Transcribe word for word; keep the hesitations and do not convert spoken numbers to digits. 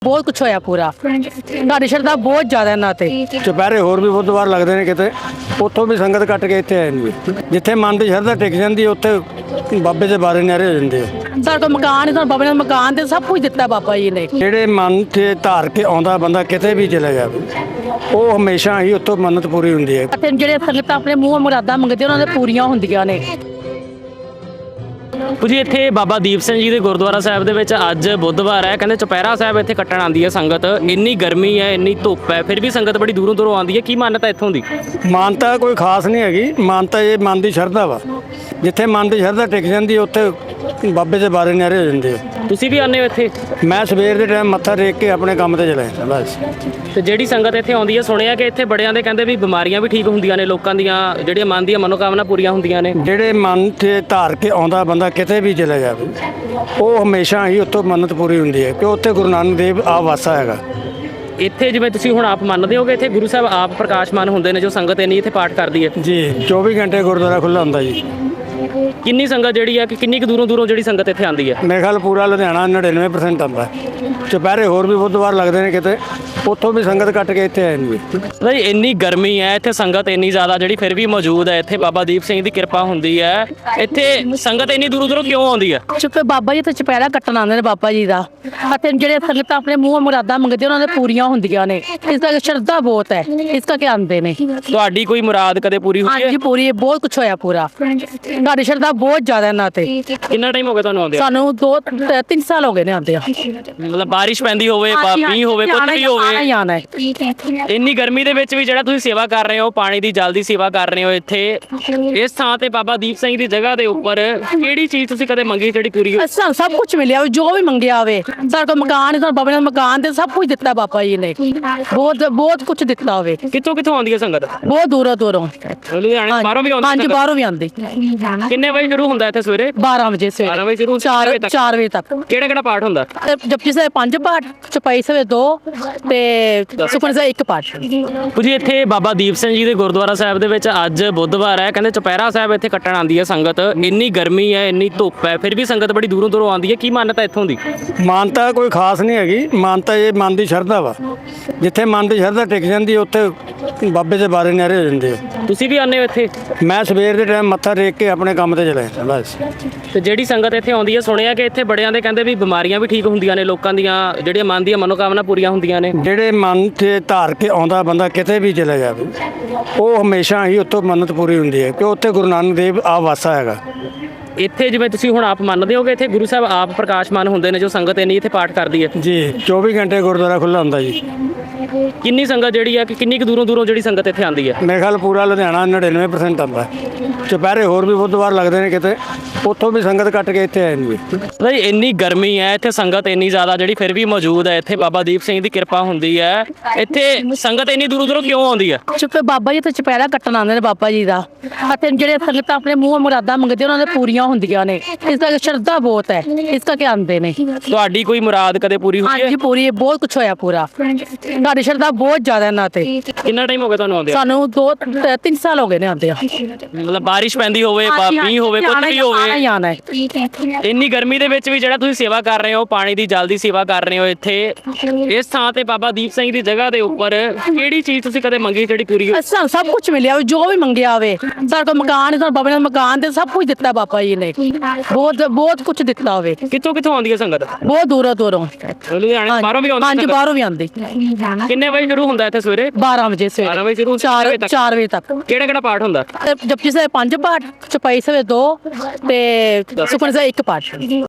ਬਹੁਤ ਕੁਛ ਹੋਇਆ ਪੂਰਾ ਤੁਹਾਡੀ ਸ਼ਰਧਾ ਬਹੁਤ ਜ਼ਿਆਦਾ ਇਹਨਾਂ ਤੇ। ਚੁਪਹਿਰੇ ਹੋਰ ਵੀ ਬੁੱਧਵਾਰ ਲੱਗਦੇ ਨੇ ਕਿਤੇ, ਉੱਥੋਂ ਵੀ ਸੰਗਤ ਕੱਟ ਕੇ ਇੱਥੇ ਆਏ ਨੇ। ਜਿੱਥੇ ਮਨ ਦੀ ਸ਼ਰਧਾ ਟਿਕ ਜਾਂਦੀ ਉੱਥੇ ਬਾਬੇ ਦੇ ਬਾਰੇ ਨਿਆਰੇ ਹੋ ਜਾਂਦੇ ਆ। ਸਾਡੇ ਕੋਲ ਮਕਾਨ ਹੈ, ਸਾਨੂੰ ਬਾਬੇ ਨੇ ਮਕਾਨ ਤੇ ਸਭ ਕੁਝ ਦਿੱਤਾ ਬਾਬਾ ਜੀ ਨੇ। ਜਿਹੜੇ ਮਨ ਤੇ ਧਾਰ ਕੇ ਆਉਂਦਾ ਬੰਦਾ ਕਿਤੇ ਵੀ ਚਲੇ ਜਾਵੇ, ਉਹ ਹਮੇਸ਼ਾ ਹੀ ਉੱਥੋਂ ਮੰਨਤ ਪੂਰੀ ਹੁੰਦੀ ਹੈ। ਅਤੇ ਜਿਹੜੇ ਸੰਗਤਾਂ ਆਪਣੇ ਮੂੰਹ ਮੁਰਾਦਾਂ ਮੰਗਦੇ ਉਹਨਾਂ ਦੇ ਪੂਰੀਆਂ ਹੁੰਦੀਆਂ ਨੇ। ਜੀ ਇੱਥੇ ਬਾਬਾ ਦੀਪ ਸਿੰਘ ਜੀ ਦੇ ਗੁਰਦੁਆਰਾ ਸਾਹਿਬ ਦੇ ਵਿੱਚ ਅੱਜ ਬੁੱਧਵਾਰ ਹੈ, ਕਹਿੰਦੇ ਚੁਪਹਿਰਾ ਸਾਹਿਬ ਇੱਥੇ ਕੱਟਣ ਆਉਂਦੀ ਹੈ ਸੰਗਤ। ਇੰਨੀ ਗਰਮੀ ਹੈ, ਇੰਨੀ ਧੁੱਪ ਹੈ, ਫਿਰ ਵੀ ਸੰਗਤ ਬੜੀ ਦੂਰੋਂ ਦੂਰੋਂ ਆਉਂਦੀ ਹੈ। ਕੀ ਮਾਨਤਾ ਇੱਥੋਂ ਦੀ? ਮਾਨਤਾ ਕੋਈ ਖਾਸ ਨਹੀਂ ਹੈਗੀ, ਮਾਨਤਾ ਇਹ ਮਨ ਦੀ ਸ਼ਰਧਾ ਵਾ। ਜਿੱਥੇ ਮਨ ਦੀ ਸ਼ਰਧਾ ਟਿਕ ਜਾਂਦੀ ਉੱਥੇ ਬਾਬੇ ਦੇ ਬਾਰੇ ਨਿਆਰੇ ਹੋ ਜਾਂਦੇ ਆ। ਤੁਸੀਂ ਵੀ ਆਉਂਦੇ ਹੋ ਇੱਥੇ? ਮੈਂ ਸਵੇਰ ਦੇ ਟਾਈਮ ਮੱਥਾ ਟੇਕ ਕੇ ਆਪਣੇ ਕੰਮ ਤੇ ਚਲਾ ਜਾਂਦਾ ਬਸ। ਤੇ ਜਿਹੜੀ ਸੰਗਤ ਇੱਥੇ ਆਉਂਦੀ ਹੈ, ਸੁਣਿਆ ਕਿ ਇੱਥੇ ਬੜਿਆਂ ਦੇ ਕਹਿੰਦੇ ਵੀ ਬਿਮਾਰੀਆਂ ਵੀ ਠੀਕ ਹੁੰਦੀਆਂ ਨੇ, ਲੋਕਾਂ ਦੀਆਂ ਜਿਹੜੀਆਂ ਮਨ ਦੀਆਂ ਮਨੋਕਾਮਨਾ ਪੂਰੀਆਂ ਹੁੰਦੀਆਂ ਨੇ। ਜਿਹੜੇ ਮਨ ਤੇ ਧਾਰ ਕੇ ਆਉਂਦਾ ਬੰਦਾ ਕਿਤੇ ਵੀ ਚਲੇ ਜਾਵੇ, ਉਹ ਹਮੇਸ਼ਾ ਹੀ ਉੱਥੋਂ ਮੰਨਤ ਪੂਰੀ ਹੁੰਦੀ ਹੈ ਕਿ ਉੱਥੇ ਗੁਰੂ ਨਾਨਕ ਦੇਵ ਆ ਵਾਸਾ ਹੈਗਾ। ਇੱਥੇ ਜਿਵੇਂ ਤੁਸੀਂ ਹੁਣ ਆਪ ਮੰਨਦੇ ਹੋ ਕਿ ਇੱਥੇ ਗੁਰੂ ਸਾਹਿਬ ਆਪ ਪ੍ਰਕਾਸ਼ਮਾਨ ਹੁੰਦੇ ਨੇ, ਜੋ ਸੰਗਤ ਇੰਨੀ ਇੱਥੇ ਪਾਠ ਕਰਦੀ ਹੈ ਜੀ ਚੌਵੀ ਘੰਟੇ ਗੁਰਦੁਆਰਾ ਖੁੱਲ੍ਹਾ ਹੁੰਦਾ ਜੀ। ਕਿੰਨੀ ਸੰਗਤ ਜਿਹੜੀ ਹੈ ਕਿ ਕਿੰਨੀ ਕੁ ਦੂਰੋਂ ਦੂਰੋਂ ਜਿਹੜੀ ਸੰਗਤ ਇੱਥੇ ਆਉਂਦੀ ਹੈ? ਮੇਰੇ ਖਿਆਲ ਪੂਰਾ ਲੁਧਿਆਣਾ ਨੜਿਨਵੇਂ ਪਰਸੈਂਟ ਆਉਂਦਾ। ਚੁਪਹਿਰੇ ਹੋਰ ਵੀ ਬੁੱਧਵਾਰ ਲੱਗਦੇ ਨੇ ਕਿਤੇ, ਉੱਥੋਂ ਵੀ ਸੰਗਤ ਕੱਟ ਕੇ ਇੱਥੇ ਆਏ ਨੇ। ਨਹੀਂ, ਇੰਨੀ ਗਰਮੀ ਹੈ, ਇੱਥੇ ਸੰਗਤ ਇੰਨੀ ਜ਼ਿਆਦਾ ਜਿਹੜੀ ਫਿਰ ਵੀ ਮੌਜੂਦ ਹੈ। ਇੱਥੇ ਬਾਬਾ ਦੀਪ ਸਿੰਘ ਦੀ ਕਿਰਪਾ ਹੁੰਦੀ ਹੈ। ਇੱਥੇ ਸੰਗਤ ਇੰਨੀ ਦੂਰੋਂ ਦੂਰੋਂ ਕਿਉਂ ਆਉਂਦੀ ਹੈ? ਚੁੱਪੇ ਬਾਬਾ ਜੀ ਤੇ ਚੁਪਹਿਰਾ ਕੱਟਣ ਆਉਂਦੇ ਨੇ ਬਾਬਾ ਜੀ ਦਾ। ਅਤੇ ਜਿਹੜੇ ਸੰਗਤਾਂ ਆਪਣੇ ਮੂੰਹ ਮੁਰਾਦਾਂ ਮੰਗਦੇ ਉਹਨਾਂ ਦੇ ਪੂਰੀਆਂ ਹੁੰਦੀਆਂ ਨੇ। ਇਸ ਕਰਕੇ ਸ਼ਰਧਾ ਬਹੁਤ ਹੈ, ਇਸ ਕਰਕੇ ਆਉਂਦੇ ਨੇ। ਤੁਹਾਡੀ ਕੋਈ ਮੁਰਾਦ ਕਦੇ ਪੂਰੀ ਹੋਈ ਹੈ? ਹਾਂਜੀ ਪੂਰੀ, ਬਹੁਤ ਕੁਛ ਹੋਇਆ ਪੂਰਾ। ਤੁਹਾਡੀ ਸ਼ਰਧਾ ਬਹੁਤ ਜ਼ਿਆਦਾ ਇਹਨਾਂ ਤੇ। ਕਿੰਨਾ ਟਾਈਮ ਹੋ ਗਿਆ ਤੁਹਾਨੂੰ ਆਉਂਦੇ? ਸਾਨੂੰ ਦੋ ਤਿੰਨ ਸਾਲ ਹੋ ਗਏ ਨੇ ਆਉਂਦੇ ਆ। ਮਤਲਬ ਬਾਰਿਸ਼ ਪੈਂਦੀ ਹੋਵੇ, ਮੀਂਹ ਹੋਵੇ, ਕੁਝ ਵੀ ਹੋਵੇ, ਆਣਾ ਹੈ। ਇੰਨੀ ਗਰਮੀ ਦੇ ਵਿੱਚ ਵੀ ਜਿਹੜਾ ਤੁਸੀਂ ਸੇਵਾ ਕਰ ਰਹੇ ਹੋ, ਪਾਣੀ ਦੀ ਜਲ ਦੀ ਸੇਵਾ ਕਰ ਰਹੇ ਹੋ ਇੱਥੇ ਇਸ ਥਾਂ ਤੇ ਬਾਬਾ ਦੀਪ ਸਿੰਘ ਦੀ ਜਗ੍ਹਾ ਦੇ ਉੱਪਰ, ਕਿਹੜੀ ਚੀਜ਼ ਤੁਸੀਂ ਕਦੇ ਮੰਗੀ ਜਿਹੜੀ ਪੂਰੀ ਹੋਈ? ਸਾਨੂੰ ਸਭ ਕੁਝ ਮਿਲਿਆ ਹੋਵੇ, ਜੋ ਵੀ ਮੰਗਿਆ ਹੋਵੇ। ਸਾਡੇ ਕੋਲ ਮਕਾਨ ਹੈ, ਸਾਨੂੰ ਬਾਬੇ ਨੇ ਮਕਾਨ ਤੇ ਸਭ ਕੁਝ ਦਿੱਤਾ ਬਾਬਾ ਜੀ ਨੇ। ਬਹੁਤ ਬਹੁਤ ਕੁਝ ਦਿੱਤਾ ਹੋਵੇ। ਕਿੱਥੋਂ ਕਿੱਥੋਂ ਆਉਂਦੀ ਹੈ ਸੰਗਤ? ਬਹੁਤ ਦੂਰੋਂ ਦੂਰੋਂ। ਲੁਧਿਆਣੇ ਬਾਹਰੋਂ ਵੀ ਆਉਂਦੀ? ਹਾਂਜੀ ਬਾਹਰੋਂ ਵੀ ਆਉਂਦੀ। ਕਿੰਨੇ ਵਜੇ ਸ਼ੁਰੂ ਹੁੰਦਾ ਇੱਥੇ? ਸਵੇਰੇ ਬਾਰਾਂ ਵਜੇ ਬਾਰਾਂ ਸਵੇਰੇ ਵਜੇ ਸ਼ੁਰੂ, ਚਾਰ ਚਾਰ ਵਜੇ ਤੱਕ। ਕਿਹੜਾ ਕਿਹੜਾ ਪਾਠ ਹੁੰਦਾ? ਜਪਜੀ ਸਾਹਿਬ ਪੰਜ ਪਾਠ, ਚੌਪਈ ਸਾਹਿਬ ਦੋ ਤੇ ਸੁਖਮਨੀ ਸਾਹਿਬ ਇੱਕ ਪਾਠ। ਜੀ ਇੱਥੇ ਬਾਬਾ ਦੀਪ ਸਿੰਘ ਜੀ ਦੇ ਗੁਰਦੁਆਰਾ ਸਾਹਿਬ ਦੇ ਵਿੱਚ ਅੱਜ ਬੁੱਧਵਾਰ ਹੈ, ਕਹਿੰਦੇ ਚੁਪਹਿਰਾ ਸਾਹਿਬ ਇੱਥੇ ਕੱਟਣ ਆਉਂਦੀ ਹੈ ਸੰਗਤ। ਇੰਨੀ ਗਰਮੀ ਹੈ, ਇੰਨੀ ਧੁੱਪ ਹੈ, ਫਿਰ ਵੀ ਸੰਗਤ ਬੜੀ ਦੂਰੋਂ ਦੂਰੋਂ ਆਉਂਦੀ ਹੈ। ਕੀ ਮਾਨਤਾ ਇੱਥੋਂ ਦੀ? ਮਾਨਤਾ ਕੋਈ ਖਾਸ ਨਹੀਂ ਹੈਗੀ, ਮਾਨਤਾ ਇਹ ਮਨ ਦੀ ਸ਼ਰਧਾ ਵਾ। ਜਿੱਥੇ ਮਨ ਦੀ ਸ਼ਰਧਾ ਟਿਕ ਜਾਂਦੀ ਉੱਥੇ ਬਾਬੇ ਦੇ ਬਾਰੇ ਨਿਆਰੇ ਹੋ ਜਾਂਦੇ ਆ। ਤੁਸੀਂ ਵੀ ਆਉਂਦੇ ਹੋ ਇੱਥੇ? ਮੈਂ ਸਵੇਰ ਦੇ ਟਾਈਮ ਮੱਥਾ ਟੇਕ ਕੇ ਆਪਣੇ ਕੰਮ ਤੇ ਚਲਾ ਜਾਂਦਾ ਬਸ। ਤੇ ਜਿਹੜੀ ਸੰਗਤ ਇੱਥੇ ਆਉਂਦੀ ਹੈ, ਸੁਣਿਆ ਕਿ ਇੱਥੇ ਬੜਿਆਂ ਦੇ ਕਹਿੰਦੇ ਵੀ ਬਿਮਾਰੀਆਂ ਵੀ ਠੀਕ ਹੁੰਦੀਆਂ ਨੇ, ਲੋਕਾਂ ਦੀਆਂ ਜਿਹੜੀਆਂ ਮਨ ਦੀਆਂ ਮਨੋਕਾਮਨਾ ਪੂਰੀਆਂ ਹੁੰਦੀਆਂ ਨੇ। ਜਿਹੜੇ ਮਨ ਤੇ ਧਾਰ ਕੇ ਆਉਂਦਾ ਬੰਦਾ ਕਿਤੇ ਵੀ ਚਲੇ ਜਾਵੇ, ਉਹ ਹਮੇਸ਼ਾ ਹੀ ਉੱਥੋਂ ਮੰਨਤ ਪੂਰੀ ਹੁੰਦੀ ਹੈ ਕਿ ਉੱਥੇ ਗੁਰੂ ਨਾਨਕ ਦੇਵ ਆ ਵਾਸਾ ਹੈਗਾ। ਇੱਥੇ ਜਿਵੇਂ ਤੁਸੀਂ ਹੁਣ ਆਪ ਮੰਨਦੇ ਹੋ ਕਿ ਇੱਥੇ ਗੁਰੂ ਸਾਹਿਬ ਆਪ ਪ੍ਰਕਾਸ਼ਮਾਨ ਹੁੰਦੇ ਨੇ, ਜੋ ਸੰਗਤ ਇੰਨੀ ਇੱਥੇ ਪਾਠ ਕਰਦੀ ਹੈ ਜੀ ਚੌਵੀ ਘੰਟੇ ਗੁਰਦੁਆਰਾ ਖੁੱਲ੍ਹਾ ਹੁੰਦਾ ਜੀ। ਕਿੰਨੀ ਸੰਗਤ ਜਿਹੜੀ ਹੈ ਕਿ ਕਿੰਨੀ ਕੁ ਦੂਰੋਂ ਦੂਰੋਂ ਜਿਹੜੀ ਸੰਗਤ ਇੱਥੇ ਆਉਂਦੀ ਹੈ? ਮੇਰੇ ਖਿਆਲ ਪੂਰਾ ਲੁਧਿਆਣਾ ਨੜਿਨਵੇਂ ਪਰਸੈਂਟ ਆਉਂਦਾ। ਚੁਪਹਿਰੇ ਹੋਰ ਵੀ ਬੁੱਧਵਾਰ ਲੱਗਦੇ ਨੇ ਕਿਤੇ, ਉੱਥੋਂ ਵੀ ਸੰਗਤ ਕੱਟ ਕੇ ਇੱਥੇ ਆਏ ਨੇ। ਨਹੀਂ, ਇੰਨੀ ਗਰਮੀ ਹੈ, ਇੱਥੇ ਸੰਗਤ ਇੰਨੀ ਜ਼ਿਆਦਾ ਜਿਹੜੀ ਫਿਰ ਵੀ ਮੌਜੂਦ ਹੈ। ਇੱਥੇ ਬਾਬਾ ਦੀਪ ਸਿੰਘ ਦੀ ਕਿਰਪਾ ਹੁੰਦੀ ਹੈ। ਇੱਥੇ ਸੰਗਤ ਇੰਨੀ ਦੂਰੋਂ ਦੂਰੋਂ ਕਿਉਂ ਆਉਂਦੀ ਹੈ? ਚੁੱਪੇ ਬਾਬਾ ਜੀ ਤੇ ਚੁਪਹਿਰਾ ਕੱਟਣ ਆਉਂਦੇ ਨੇ ਬਾਬਾ ਜੀ ਦਾ। ਅਤੇ ਜਿਹੜੇ ਸੰਗਤਾਂ ਆਪਣੇ ਮੂੰਹ ਮੁਰਾਦਾਂ ਮੰਗਦੇ ਉਹਨਾਂ ਦੇ ਪੂਰੀਆਂ ਹੁੰਦੀਆਂ ਨੇ। ਇਸ ਕਰਕੇ ਸ਼ਰਧਾ ਬਹੁਤ ਹੈ, ਇਸ ਕਰਕੇ ਆਉਂਦੇ ਨੇ। ਤੁਹਾਡੀ ਕੋਈ ਮੁਰਾਦ ਕਦੇ ਪੂਰੀ ਹੋਈ ਹੈ? ਹਾਂਜੀ ਪੂਰੀ, ਬਹੁਤ ਕੁਛ ਹੋਇਆ ਪੂਰਾ। ਤੁਹਾਡੀ ਸ਼ਰਧਾ ਬਹੁਤ ਜ਼ਿਆਦਾ ਇਹਨਾਂ ਤੇ। ਕਿੰਨਾ ਟਾਈਮ ਹੋ ਗਿਆ ਤੁਹਾਨੂੰ ਆਉਂਦੇ? ਸਾਨੂੰ ਦੋ ਤਿੰਨ ਸਾਲ ਹੋ ਗਏ ਨੇ ਆਉਂਦੇ ਆ। ਮਤਲਬ ਬਾਰਿਸ਼ ਪੈਂਦੀ ਹੋਵੇ, ਮੀਂਹ ਹੋਵੇ, ਕੁਝ ਵੀ ਹੋਵੇ, ਆਣਾ ਹੈ। ਇੰਨੀ ਗਰਮੀ ਦੇ ਵਿੱਚ ਵੀ ਜਿਹੜਾ ਤੁਸੀਂ ਸੇਵਾ ਕਰ ਰਹੇ ਹੋ, ਪਾਣੀ ਦੀ ਜਲ ਦੀ ਸੇਵਾ ਕਰ ਰਹੇ ਹੋ ਇੱਥੇ ਇਸ ਥਾਂ ਤੇ ਬਾਬਾ ਦੀਪ ਸਿੰਘ ਦੀ ਜਗ੍ਹਾ ਦੇ ਉੱਪਰ, ਕਿਹੜੀ ਚੀਜ਼ ਤੁਸੀਂ ਕਦੇ ਮੰਗੀ ਜਿਹੜੀ ਪੂਰੀ ਹੋਈ? ਸਾਨੂੰ ਸਭ ਕੁਝ ਮਿਲਿਆ ਹੋਵੇ, ਜੋ ਵੀ ਮੰਗਿਆ ਹੋਵੇ। ਸਾਡੇ ਕੋਲ ਮਕਾਨ ਹੈ, ਸਾਨੂੰ ਬਾਬੇ ਨੇ ਮਕਾਨ ਤੇ ਸਭ ਕੁਝ ਦਿੱਤਾ ਬਾਬਾ ਜੀ ਨੇ। ਬਹੁਤ ਬਹੁਤ ਕੁਝ ਦਿੱਤਾ ਹੋਵੇ। ਕਿੱਥੋਂ ਕਿੱਥੋਂ ਆਉਂਦੀ ਹੈ ਸੰਗਤ? ਬਹੁਤ ਦੂਰੋਂ ਦੂਰੋਂ। ਲੁਧਿਆਣੇ ਬਾਹਰੋਂ ਵੀ ਆਉਂਦੀ? ਹਾਂਜੀ ਬਾਹਰੋਂ ਵੀ ਆਉਂਦੀ। ਕਿੰਨੇ ਵਜੇ ਸ਼ੁਰੂ ਹੁੰਦਾ ਇੱਥੇ? ਸਵੇਰੇ ਬਾਰਾਂ ਵਜੇ ਬਾਰਾਂ ਸਵੇਰੇ ਵਜੇ ਸ਼ੁਰੂ, ਚਾਰ ਚਾਰ ਵਜੇ ਤੱਕ। ਕਿਹੜਾ ਕਿਹੜਾ ਪਾਠ ਹੁੰਦਾ? ਜਪਜੀ ਸਾਹਿਬ ਪੰਜ ਪਾਠ, ਚੌਪਈ ਸਾਹਿਬ ਦੋ ਤੇ ਸੁਖਮਨੀ ਸਾਹਿਬ ਇੱਕ ਪਾਠ।